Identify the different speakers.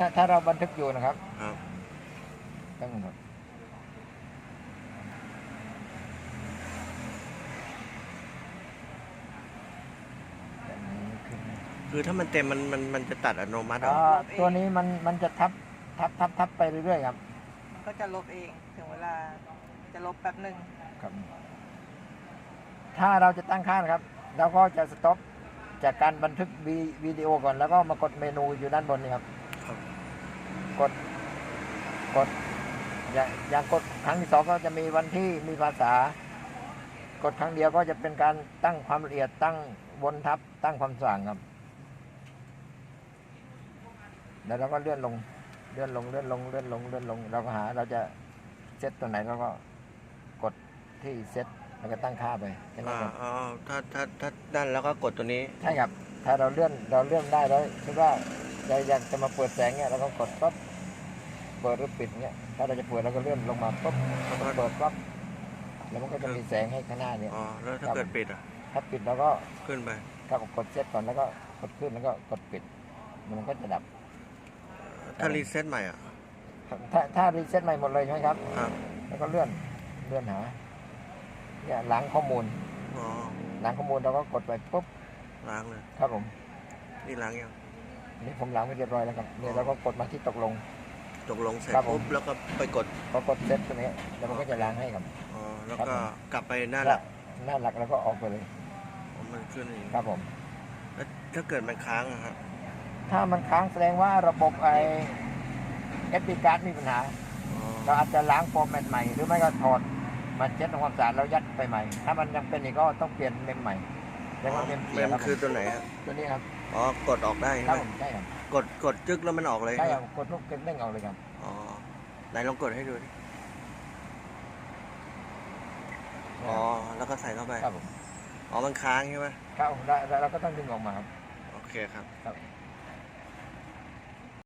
Speaker 1: ถ้าเราบันทึกอยู่นะครับ
Speaker 2: ครับ
Speaker 1: ต้องหมดแบบนี้ขึ้น
Speaker 2: คือถ้ามันเต็มมันจะตัดอัตโนมัติเหรอ
Speaker 1: ตัวนี้มันจะทับไปเรื่อยๆครับ
Speaker 3: มันก็จะลบเองถึงเวลาจะลบแป๊บหนึ่ง
Speaker 1: ครับ ถ้าเราจะตั้งค่านะครับ เราก็จะสต็อปจากการบันทึกวิดีโอก่อน แล้วก็มากดเมนูอยู่ด้านบนนี่ครับ
Speaker 2: ครับ
Speaker 1: กดอย่างกดครั้งที่สองก็จะมีวันที่มีภาษา กดครั้งเดียวก็จะเป็นการตั้งความละเอียดตั้งวนทับตั้งความสว่างครับแล้วเราก็เลื่อนลงเราก็หาเราจะเซตตัวไหนเราก็กดที่เซตแล้วก็ตั้งค่าไปแค่นั้นครับ
Speaker 2: อ๋อถ้านั่นแล้วก็กดตัวนี้
Speaker 1: ใช่ครับถ้าเราเลื่อนได้แล้วคิดว่าเราอยากจะมาเปิดแสงเนี่ยเราก็กดปั๊บเปิดหรือปิดเนี่ยถ้าเราจะเปิดเราก็เลื่อนลงมาปั๊บเปิดปั๊บแล้วมันก็จะมีแสงให้ข้างหน้าเนี่ย
Speaker 2: อ๋อแล้วถ้าเกิดปิดอ่ะ
Speaker 1: ถ้าปิดเราก็
Speaker 2: ขึ้นไป
Speaker 1: กดเซตก่อนแล้วก็กดขึ้นแล้วก็กดปิดมันก็จะดับ
Speaker 2: ถ้ารีเซ็ตใหม่อ่ะ
Speaker 1: ถ้ารีเซ็ตใหม่หมดเลยใช่ไหมครับ
Speaker 2: ครับ
Speaker 1: แล้วก็เลื่อนหาเนี่ยล้างข้อมูล
Speaker 2: อ๋อ
Speaker 1: ล้างข้อมูลเราก็กดไปปุ๊บ
Speaker 2: ล้างเลย
Speaker 1: ครับผม
Speaker 2: นี่ล้างยัง
Speaker 1: นี่ผมล้างไปเรียบร้อยแล้วครับเนี่ยเราก็กดมาที่ตกลง
Speaker 2: ตกลงเสร็จ
Speaker 1: ครับผม
Speaker 2: ปุ๊บแล้วก็ไปกด
Speaker 1: พอกดเซตตัวนี้แล้วมันก็จะล้างให้ครับ
Speaker 2: อ๋อแล้ว
Speaker 1: ครับ
Speaker 2: ก็
Speaker 1: ผม
Speaker 2: กลับไปหน้าหลัก
Speaker 1: หน้าหลักแล้วก็ออกไปเลย
Speaker 2: อ๋อมันขึ้นอย่างนี้
Speaker 1: ครับผม
Speaker 2: แล้วถ้าเกิดมันค้างอะครับ
Speaker 1: ถ้ามันค้างแสดงว่าระบบเอสดีการ์ดมีปัญหา
Speaker 2: อ๋อ
Speaker 1: เราอาจจะล้างฟอร์แมตใหม่หรือไม่ก็ถอดมาเช็ดทำความสะอาดแล้วยัดไปใหม่ ถ้ามันยังเป็นอีกก็ต้องเปลี่ยนเมมใหม่เรียกว่าเมม
Speaker 2: เม
Speaker 1: เสีย
Speaker 2: ม
Speaker 1: ครับ
Speaker 2: คือตัวไหนครับ
Speaker 1: ตัวนี้ครับ
Speaker 2: อ๋อกดออกได้
Speaker 1: ค
Speaker 2: ใช่
Speaker 1: รับ
Speaker 2: ไหม
Speaker 1: ผมใช่ครับ
Speaker 2: กดจึ๊กแล้วมันออกเลย
Speaker 1: ใช่
Speaker 2: ไห
Speaker 1: ค
Speaker 2: ม
Speaker 1: รับกดลูกเด้งออกเลยครับ
Speaker 2: อ๋อไหนลองกดให้ดูดิอ๋อแล้วก็ใส่เข้าไป
Speaker 1: ครับผม
Speaker 2: อ๋อมันค้างใช่ไหม
Speaker 1: ครับแล้วเราก็ต้องดึงออกมาครับ
Speaker 2: โอเคครับ
Speaker 1: ครับ